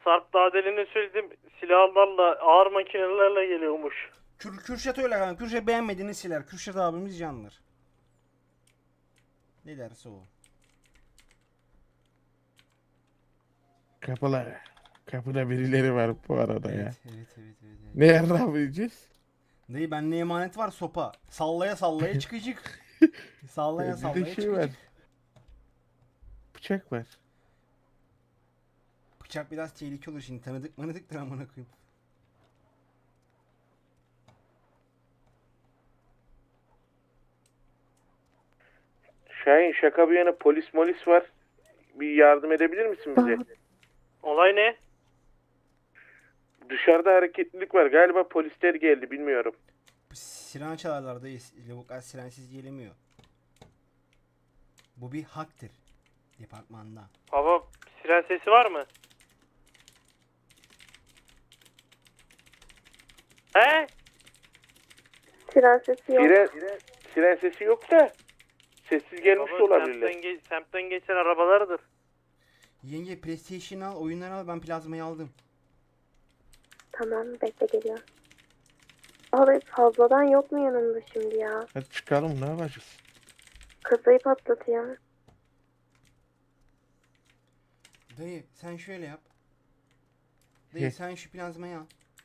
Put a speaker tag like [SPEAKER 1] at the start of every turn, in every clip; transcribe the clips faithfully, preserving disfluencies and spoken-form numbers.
[SPEAKER 1] Sarp daha deline söyledim. Silahlarla, ağır makinelerle geliyormuş.
[SPEAKER 2] Kür, Kürşat öyle kanka. Kürşat beğenmediğini siler. Kürşat abimiz candır. Ne derse o.
[SPEAKER 3] Kapıda, kapıda birileri var bu arada ya.
[SPEAKER 2] Evet, evet, evet, evet, evet.
[SPEAKER 3] Ne yapacağız?
[SPEAKER 2] Dayı bende emanet var sopa. Sallaya sallaya çıkacak. Sallaya
[SPEAKER 3] Bir de
[SPEAKER 2] sallaya
[SPEAKER 3] şey var.
[SPEAKER 2] çıkacak.
[SPEAKER 3] Bıçak var.
[SPEAKER 2] Bıçak biraz tehlikeli olur şimdi. Tanıdık manıdıktır amına koyayım.
[SPEAKER 3] Şahin şaka bir yana polis molis var. Bir yardım edebilir misin bize?
[SPEAKER 1] Olay ne?
[SPEAKER 3] Dışarıda hareketlilik var. Galiba polisler geldi bilmiyorum.
[SPEAKER 2] Siren çalarlar dayı. Lavuklar sirensiz gelemiyor. Bu bir haktır. Departmanda.
[SPEAKER 1] Baba siren sesi var mı? He?
[SPEAKER 4] Siren sesi yok.
[SPEAKER 3] Siren, siren sesi yok da sessiz gelmiş de
[SPEAKER 1] Baba
[SPEAKER 3] olabilirler.
[SPEAKER 1] semtten, ge- semtten geçen arabalardır.
[SPEAKER 2] Yenge PlayStation al, oyunları al. Ben plazmayı aldım.
[SPEAKER 4] Tamam, bekle geliyor. Abi fazladan yok mu yanımda şimdi ya?
[SPEAKER 3] Hadi çıkalım ne yapacağız?
[SPEAKER 4] Kasayı patlatayım.
[SPEAKER 2] Dayı sen şöyle yap. Dayı
[SPEAKER 3] He.
[SPEAKER 2] sen şu plazmayı al.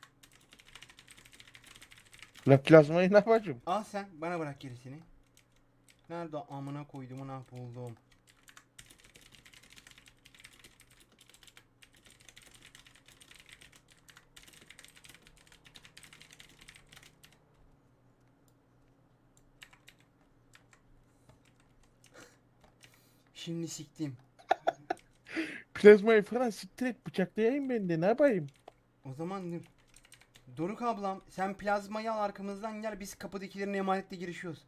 [SPEAKER 3] La plazmayı ne yapacağım?
[SPEAKER 2] Al sen bana bırak gerisini. Nerede amına koydum ne buldum. Şimdi siktim.
[SPEAKER 3] Plazmayı falan siktir et bıçaklayayım ben de ne yapayım?
[SPEAKER 2] O zaman dur. Doruk ablam sen plazmayı al arkamızdan gel biz kapıdakilerin emanetle girişiyoruz.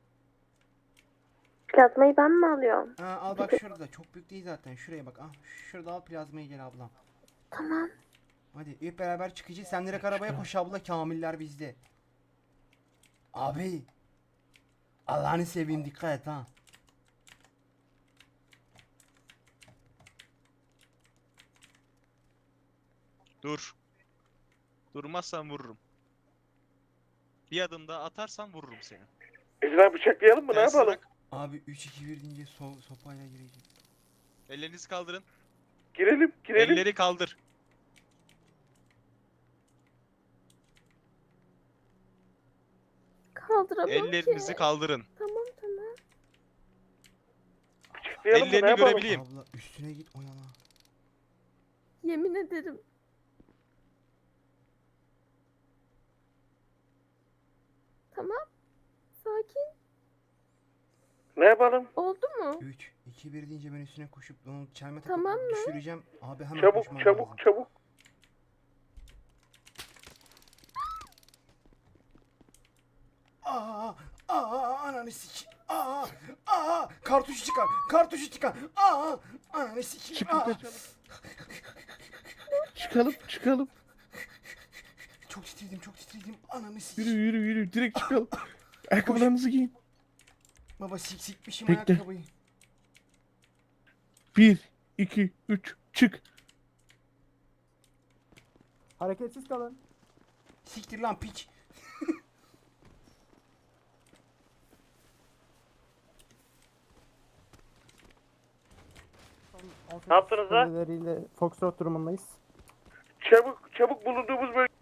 [SPEAKER 4] Plazmayı ben mi alıyorum?
[SPEAKER 2] Ha, al bak şurada çok büyük değil zaten şuraya bak. Ah şurada al plazmayı gel ablam.
[SPEAKER 4] Tamam.
[SPEAKER 2] Hadi hep beraber çıkacağız. Sen direkt arabaya koş abla kamiller bizde. Abi. Allah'ını seveyim dikkat et ha.
[SPEAKER 5] Dur. Durmazsan vururum. Bir adım daha atarsan vururum seni.
[SPEAKER 3] Ezra bıçaklayalım mı ne
[SPEAKER 5] Telsiz
[SPEAKER 3] yapalım?
[SPEAKER 5] bırak.
[SPEAKER 2] Abi üç iki bir deyince so sopayla gireceğiz.
[SPEAKER 5] Ellerinizi kaldırın.
[SPEAKER 3] Girelim girelim.
[SPEAKER 5] Elleri kaldır.
[SPEAKER 4] Kaldıramam
[SPEAKER 5] Ellerinizi
[SPEAKER 4] ki.
[SPEAKER 5] kaldırın.
[SPEAKER 4] Tamam tamam.
[SPEAKER 3] Bıçaklayalım mı ne
[SPEAKER 5] Ellerini
[SPEAKER 3] yapalım?
[SPEAKER 5] görebileyim.
[SPEAKER 2] Abla üstüne git oyala.
[SPEAKER 4] Yemin ederim. Tamam. Sakin.
[SPEAKER 3] Ne yapalım?
[SPEAKER 4] Oldu mu?
[SPEAKER 2] üç iki bir deyince ben üstüne koşup onu çelme takıp
[SPEAKER 4] Tamam mı?
[SPEAKER 2] düşüreceğim. Abi hemen
[SPEAKER 3] Çabuk
[SPEAKER 2] koşman
[SPEAKER 3] çabuk
[SPEAKER 2] lazım.
[SPEAKER 3] çabuk.
[SPEAKER 2] Aa, aa, ananı sik. Aa, aa, kartuşu çıkar. Kartuşu çıkar. Aa, ananı sik.
[SPEAKER 3] Çıkın
[SPEAKER 2] Aa.
[SPEAKER 3] kaçalım. Çıkalım çıkalım.
[SPEAKER 2] Çok titredim, çok titredim. Ananı sik.
[SPEAKER 3] Yürü yürü yürü direkt çıkalım. Ayakkabılarınızı giyin.
[SPEAKER 2] Baba sik sikmişim
[SPEAKER 3] Bekle.
[SPEAKER 2] ayakkabıyı.
[SPEAKER 3] Bir, iki, üç, çık.
[SPEAKER 6] Hareketsiz kalın.
[SPEAKER 2] Siktir lan piç.
[SPEAKER 1] Ne yaptınız lan?
[SPEAKER 6] Kuleleriyle Foxtrot durumundayız.
[SPEAKER 3] Çabuk çabuk bulunduğumuz bölge.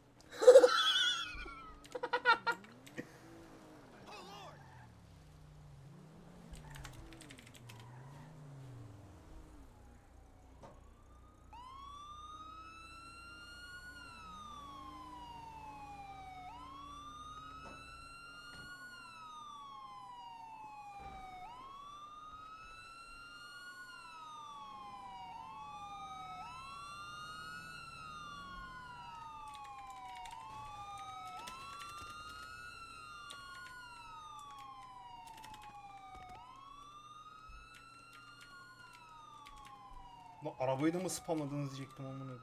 [SPEAKER 2] Lan arabayı da mı spamladınız diyecektim amına.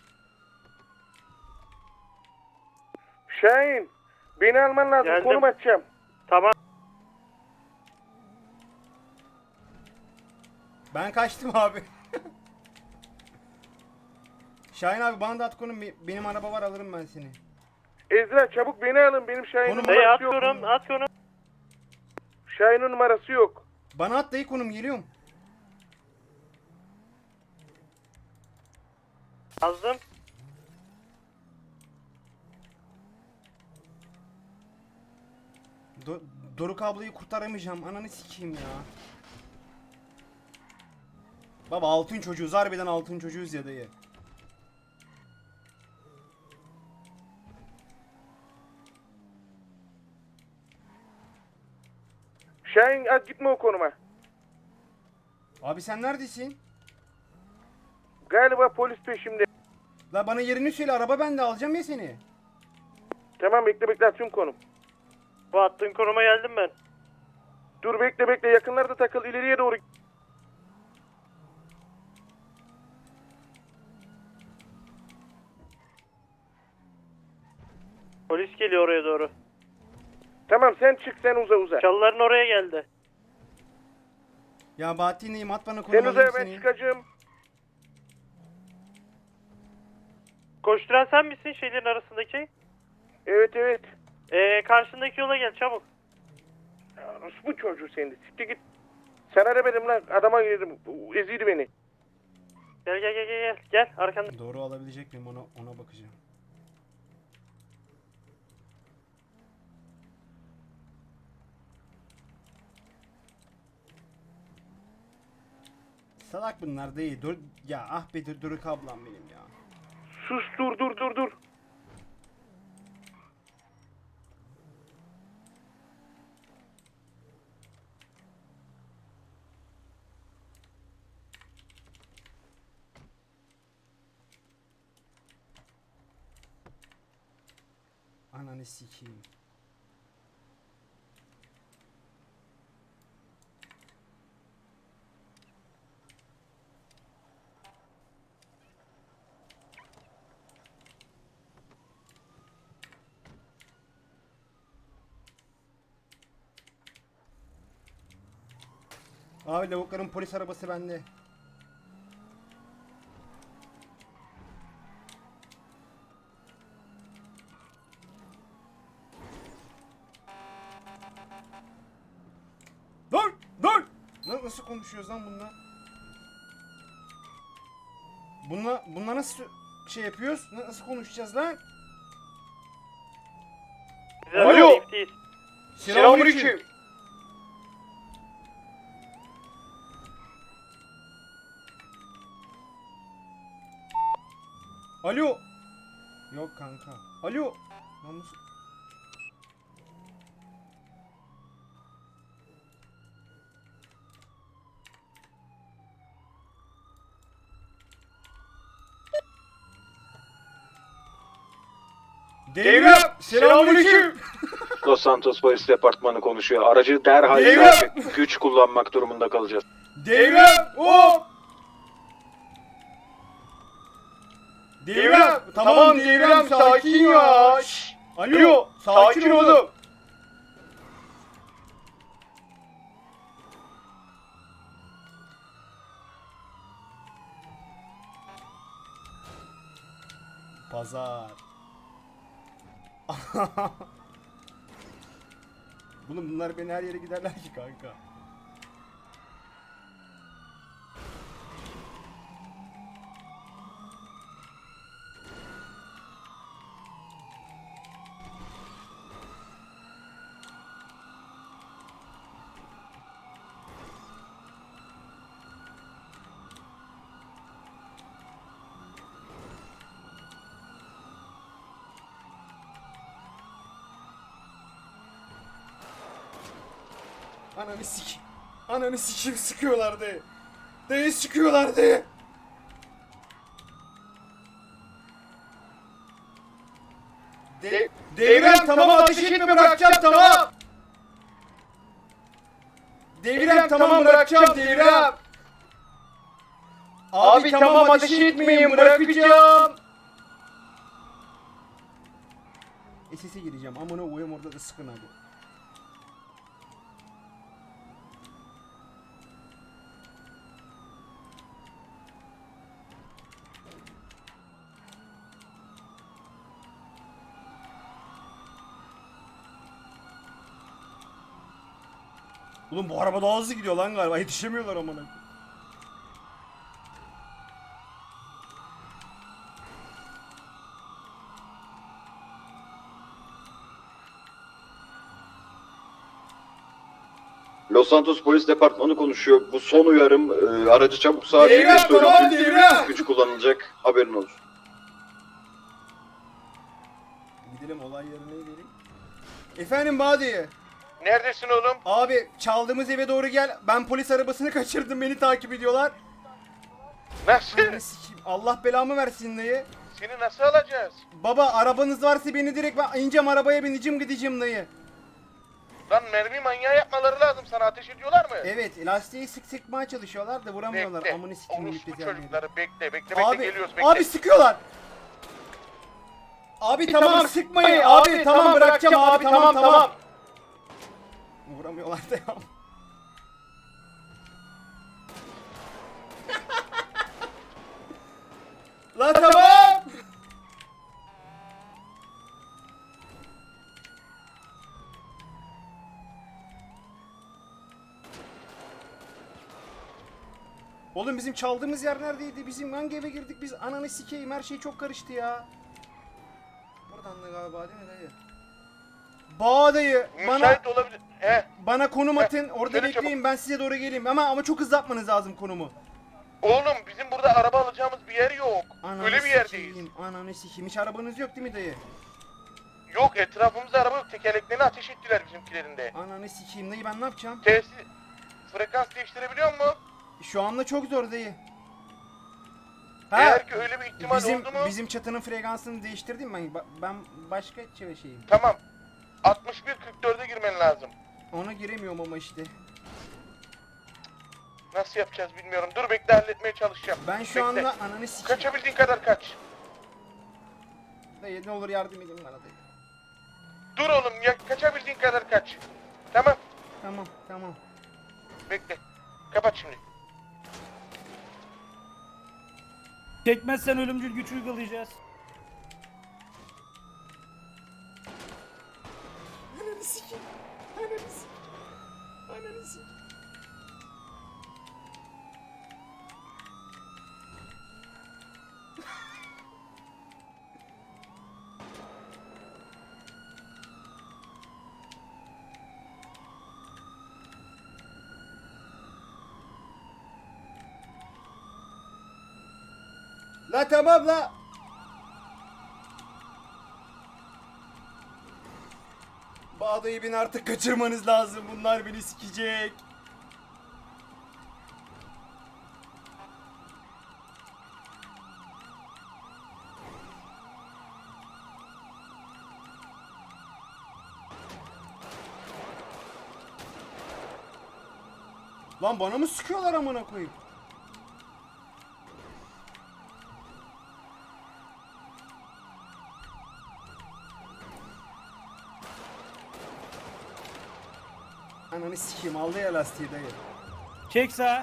[SPEAKER 3] Şahin beni alman lazım
[SPEAKER 1] Geldim.
[SPEAKER 3] konum atacağım.
[SPEAKER 1] Tamam.
[SPEAKER 2] Ben kaçtım abi. Şahin abi bana da at konum. Be- Benim araba var, alırım ben seni.
[SPEAKER 3] Ezra çabuk beni alın. Benim Şahin'in
[SPEAKER 2] Konum-
[SPEAKER 1] Dayı
[SPEAKER 3] numarası yok.
[SPEAKER 1] atıyorum atıyorum.
[SPEAKER 3] Şahin'in numarası yok.
[SPEAKER 2] Bana at dayı konum, geliyorum.
[SPEAKER 1] Yazdım.
[SPEAKER 2] Do- Doruk ablayı kurtaramayacağım. Ananı sikeyim ya. Baba altın çocuğuz. Harbiden altın çocuğuz ya dayı.
[SPEAKER 3] Şahin at gitme o konuma.
[SPEAKER 2] Abi sen neredesin?
[SPEAKER 3] Galiba polis peşimde.
[SPEAKER 2] La bana yerini söyle, araba bende, alacağım ya seni.
[SPEAKER 3] Tamam bekle bekle atıyorum konum.
[SPEAKER 1] Bu attığın konuma geldim ben.
[SPEAKER 3] Dur bekle bekle yakınlarda takıl ileriye doğru.
[SPEAKER 1] Polis geliyor oraya doğru.
[SPEAKER 3] Tamam sen çık sen uza uza.
[SPEAKER 1] Çalıların oraya geldi.
[SPEAKER 2] Ya Bahattin neyim, at bana konum,
[SPEAKER 3] Sen uza
[SPEAKER 2] alayım
[SPEAKER 3] ben
[SPEAKER 2] seni.
[SPEAKER 3] çıkacağım.
[SPEAKER 1] Koşturan sen misin şeylerin arasındaki?
[SPEAKER 3] Evet evet.
[SPEAKER 1] Ee, karşındaki yola gel çabuk.
[SPEAKER 3] Ya, bu çocuğu seni siktir git. Sana demedim lan adama girdim. Eziydi beni.
[SPEAKER 1] Gel gel gel gel gel. Gel arkanda.
[SPEAKER 2] Doğru alabilecek miyim, ona, ona bakacağım. Salak bunlar değil. Dur ya, ah be dur, Doruk ablam benim ya.
[SPEAKER 3] Sus dur dur dur dur.
[SPEAKER 2] Ananı sikeyim. Abi lavukların polis arabası bende. Dur! Dur! Lan nasıl konuşuyoruz lan bunlar? Bunlar, bunlar nasıl şey yapıyoruz? Nasıl konuşacağız lan?
[SPEAKER 1] Bize
[SPEAKER 3] Alo.
[SPEAKER 1] safe değil.
[SPEAKER 2] Selamünaleyküm. Alo. Yok kanka. Alo. Lan nasıl? Devrem. Selamünaleyküm.
[SPEAKER 7] Los Santos Polis Departmanı konuşuyor. Aracı derhal
[SPEAKER 2] Eyvah!
[SPEAKER 7] terk et. Güç kullanmak durumunda kalacağız.
[SPEAKER 2] Devrem. Hop. Devrem. Tamam Devrem, sakin ya. Şşş. Alo. Sakin oğlum. Pazar. Oğlum bunlar beni her yere giderler ki kanka. Ananı sik. Ananı sikim sıkıyorlardı. Dayı sıkıyorlardı. De Devrem tamam, ateş etme, bırakacağım tamam. Devrem tamam, bırakacağım Devrem. Abi tamam, ateş etmeyin, bırakacağım. S S'e gireceğim. Amına koyayım, orada da sıkın abi. Oğlum bu araba daha hızlı gidiyor lan galiba. Yetişemiyorlar amına.
[SPEAKER 7] Los Santos Polis Departmanı konuşuyor. Bu son uyarım. Ee, aracı çabuk sağa
[SPEAKER 2] Devre,
[SPEAKER 7] çekin.
[SPEAKER 2] tamam, devre.
[SPEAKER 7] Güç kullanılacak. Haberin olsun.
[SPEAKER 2] Gidelim olay yerine gidelim. Efendim Badi.
[SPEAKER 3] Neredesin oğlum?
[SPEAKER 2] Abi çaldığımız eve doğru gel. Ben polis arabasını kaçırdım. Beni takip ediyorlar.
[SPEAKER 3] Nasıl?
[SPEAKER 2] Ananı sikeyim. Allah belamı versin dayı.
[SPEAKER 3] Seni nasıl alacağız?
[SPEAKER 2] Baba arabanız varsa beni direkt ben ineceğim arabaya bineceğim gideceğim dayı.
[SPEAKER 3] Lan mermi manyağı yapmaları lazım. Sana ateş ediyorlar mı?
[SPEAKER 2] Evet lastiği sık sıkmaya çalışıyorlar da vuramıyorlar.
[SPEAKER 3] Bekle.
[SPEAKER 2] Amını sikeyim
[SPEAKER 3] Orospu
[SPEAKER 2] gidip yerleri.
[SPEAKER 3] çocukları bekle bekle bekle
[SPEAKER 2] Abi,
[SPEAKER 3] geliyoruz bekle.
[SPEAKER 2] abi sıkıyorlar. Abi tamam, sıkmayın abi, tamam bırakacağım abi tamam tamam. Vuramıyorlar da ya. Lan tamam. Oğlum bizim çaldığımız yer neredeydi? Bizim hangi eve girdik biz? Ananı sikeyim her şey çok karıştı ya. Buradan da galiba değil mi dayı? Bağ dayı bana
[SPEAKER 3] Müsait olabilir. He.
[SPEAKER 2] bana konum
[SPEAKER 3] Heh,
[SPEAKER 2] atın. Orada
[SPEAKER 3] söyle
[SPEAKER 2] bekleyin ben size doğru geleyim. Ama ama çok hızlı atmanız lazım konumu.
[SPEAKER 3] Oğlum bizim burada araba alacağımız bir yer yok.
[SPEAKER 2] Ananı
[SPEAKER 3] Öyle bir yerdeyiz.
[SPEAKER 2] sikeyim, Ananı sikeyim. Hiç arabanız yok değil mi dayı?
[SPEAKER 3] Yok etrafımızda araba yok. Tekerleklerini ateş ettiler bizimkilerinde.
[SPEAKER 2] Ananı sikeyim dayı ben ne yapacağım?
[SPEAKER 3] Tesis frekans değiştirebiliyor mu?
[SPEAKER 2] Şu anda çok zor dayı.
[SPEAKER 3] Eğer ki öyle bir ihtimal
[SPEAKER 2] bizim
[SPEAKER 3] oldu mu?
[SPEAKER 2] bizim çatının frekansını değiştirdim ben. Ba- Ben başka şey- şeyim.
[SPEAKER 3] Tamam. altmış bir kırk dörde girmen lazım.
[SPEAKER 2] Ona giremiyorum ama işte.
[SPEAKER 3] Nasıl yapacağız bilmiyorum. Dur bekle halletmeye çalışacağım.
[SPEAKER 2] Ben şu
[SPEAKER 3] Bekle.
[SPEAKER 2] anda ananı sikeyim.
[SPEAKER 3] Kaçabildiğin kadar kaç.
[SPEAKER 2] Dayı ne olur yardım edin bana dayı.
[SPEAKER 3] Dur oğlum ya kaçabildiğin kadar kaç. Tamam.
[SPEAKER 2] Tamam tamam.
[SPEAKER 3] Bekle. Kapat şimdi.
[SPEAKER 8] Çekmezsen ölümcül güç uygulayacağız.
[SPEAKER 2] Ananı sikeyim. Ananı sikeyim. Ananı sikeyim. La tamam la. Bağdayı beni artık kaçırmanız lazım. Bunlar beni sikecek. Lan bana mı sıkıyorlar amına koyayım? Ananı sikeyim aldı ya lastiği dayı.
[SPEAKER 8] Çek sağa.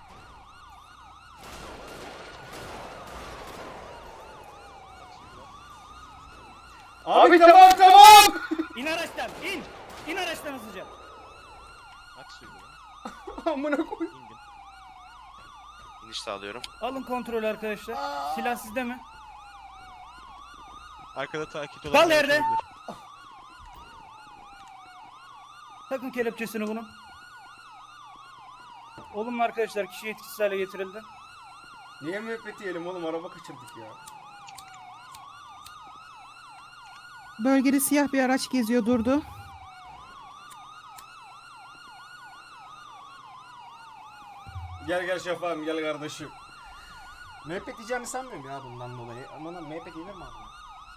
[SPEAKER 2] Abi, tamam tamam.
[SPEAKER 8] İn araçtan. İn. İn araçtan hızlıca.
[SPEAKER 5] Aç suyu baba.
[SPEAKER 2] Amına koyayım.
[SPEAKER 5] İndim.
[SPEAKER 9] İniş sağlıyorum.
[SPEAKER 8] Alın kontrol arkadaşlar. Silah sizde mi?
[SPEAKER 5] Arkada takip olan
[SPEAKER 8] Kal
[SPEAKER 5] bir
[SPEAKER 8] yerde.
[SPEAKER 5] olabilir.
[SPEAKER 8] Takın kelepçesini bunun. Olumlu arkadaşlar kişi etkisiz hale getirildi.
[SPEAKER 2] Niye müebbet yiyelim oğlum araba kaçırdık ya.
[SPEAKER 10] Bölgede siyah bir araç geziyor durdu.
[SPEAKER 2] Gel gel şafağım gel kardeşim. Müebbet yiyeceğimi sanmıyorum ya bundan dolayı. Ama lan müebbet yenir mi abi?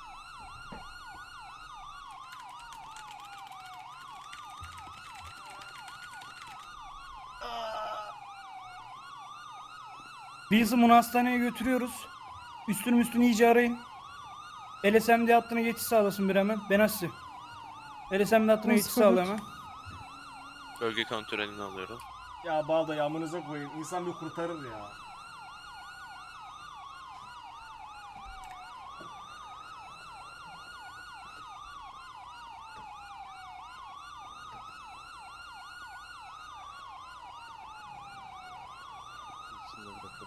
[SPEAKER 8] Wilson bunu hastaneye götürüyoruz. Üstünü üstünü iyice arayın. L S M D hattına geçiş sağlasın bir hemen. Benassi. L S M D hattına geçiş sağla hemen.
[SPEAKER 9] Bölge kontrolünü alıyorum.
[SPEAKER 2] Ya bağda amınıza koyayım. İnsan bir kurtarır ya.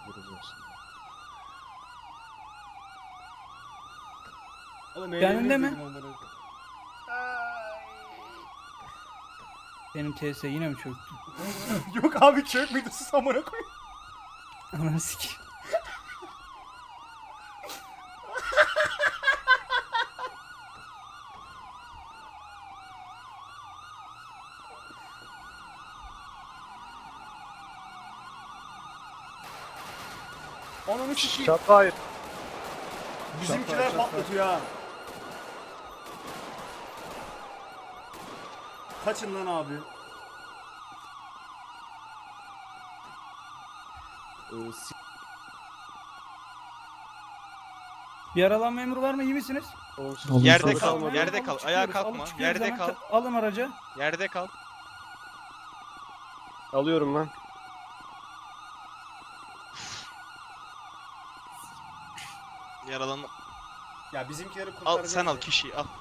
[SPEAKER 2] Oğlum
[SPEAKER 8] Kendinde
[SPEAKER 2] eğleniriz
[SPEAKER 8] mi?
[SPEAKER 2] dedim amına koyayım.
[SPEAKER 8] Benim T S yine mi çöktü?
[SPEAKER 2] Yok abi çökmedi sus amına koyayım.
[SPEAKER 8] Ananı sikeyim.
[SPEAKER 2] Ananı sikeyim.
[SPEAKER 3] Şaka hayır.
[SPEAKER 2] Bizimkiler patlatıyor ha. Kaçın lan abi.
[SPEAKER 8] Bir yaralanma emri var mı? İyi misiniz?
[SPEAKER 9] Yerde kal,
[SPEAKER 8] Tamam,
[SPEAKER 9] yerde
[SPEAKER 8] alıp
[SPEAKER 9] kal.
[SPEAKER 8] çıkıyoruz,
[SPEAKER 9] Ayağa
[SPEAKER 8] alıp
[SPEAKER 9] kalkma.
[SPEAKER 8] çıkıyoruz
[SPEAKER 9] Yerde
[SPEAKER 8] hemen.
[SPEAKER 9] kal.
[SPEAKER 8] Alın aracı.
[SPEAKER 9] Yerde kal.
[SPEAKER 3] Alıyorum ben.
[SPEAKER 9] Yaralan.
[SPEAKER 2] Ya bizimkileri kurtaracağız.
[SPEAKER 9] Al sen al
[SPEAKER 2] ya.
[SPEAKER 9] kişiyi al.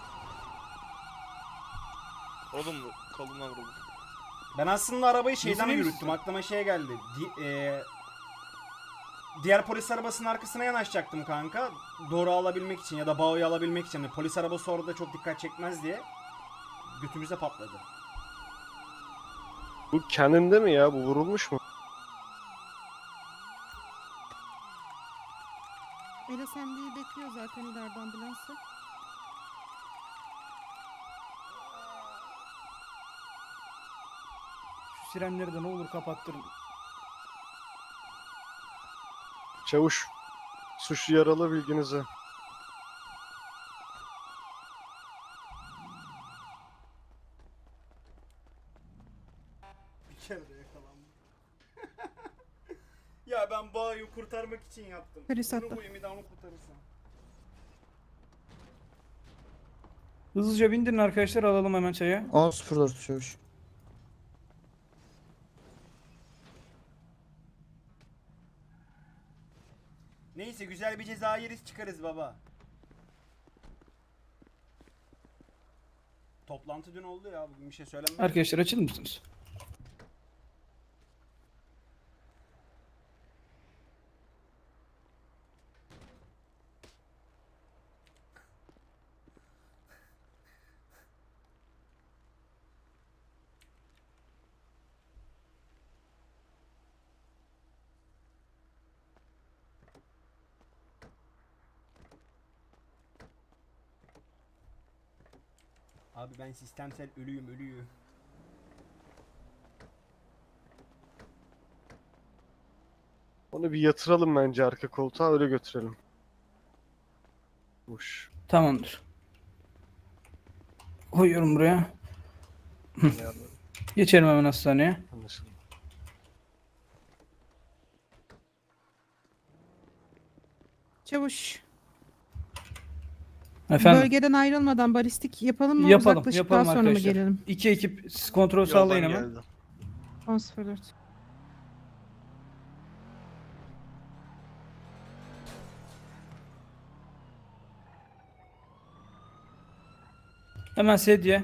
[SPEAKER 9] Oğlum kolundan vuruldu.
[SPEAKER 2] Ben aslında arabayı şeyden
[SPEAKER 8] Neyse,
[SPEAKER 2] yürüttüm. Aklıma şey geldi. Di- eee, diğer polis arabasının arkasına yanaşacaktım kanka. Doğru alabilmek için ya da bağı alabilmek için. Yani polis arabası orada çok dikkat çekmez diye. Götümüze patladı.
[SPEAKER 3] Bu kendinde mi ya? Bu vurulmuş mu?
[SPEAKER 10] L S M D'yi bekliyor zaten ileride ambulansı.
[SPEAKER 8] Şu sirenleri de ne olur kapattırın.
[SPEAKER 3] Çavuş. Suçlu yaralı bilginize.
[SPEAKER 2] Bir kere de yakalandım. Ya ben bağı kurtarmak için yaptım.
[SPEAKER 10] Polis
[SPEAKER 2] Bunu
[SPEAKER 10] attı.
[SPEAKER 2] koyayım bir daha onu kurtarırsam.
[SPEAKER 8] Hızlıca bindirin arkadaşlar, alalım hemen çaya.
[SPEAKER 6] on sıfır dört çavuş.
[SPEAKER 2] Neyse güzel bir ceza yeriz çıkarız baba. Toplantı dün oldu ya, bugün bir şey söylenmedi.
[SPEAKER 8] Arkadaşlar açılır mısınız?
[SPEAKER 2] Abi ben sistemsel ölüyüm ölüyüm.
[SPEAKER 3] Onu bir yatıralım bence arka koltuğa öyle götürelim. Uş.
[SPEAKER 8] Tamamdır. Koyuyorum buraya. Geçelim hemen hastaneye.
[SPEAKER 3] Anlaşıldı.
[SPEAKER 10] Çavuş.
[SPEAKER 8] Efendim.
[SPEAKER 10] Bölgeden ayrılmadan balistik yapalım mı?
[SPEAKER 8] Yapalım,
[SPEAKER 10] Uzaklaşıp
[SPEAKER 8] yapalım
[SPEAKER 10] daha sonra mı
[SPEAKER 8] arkadaşlar.
[SPEAKER 10] gelelim?
[SPEAKER 8] İki ekip siz kontrol sağlayın hemen.
[SPEAKER 10] on sıfır dört.
[SPEAKER 8] Hemen sedye.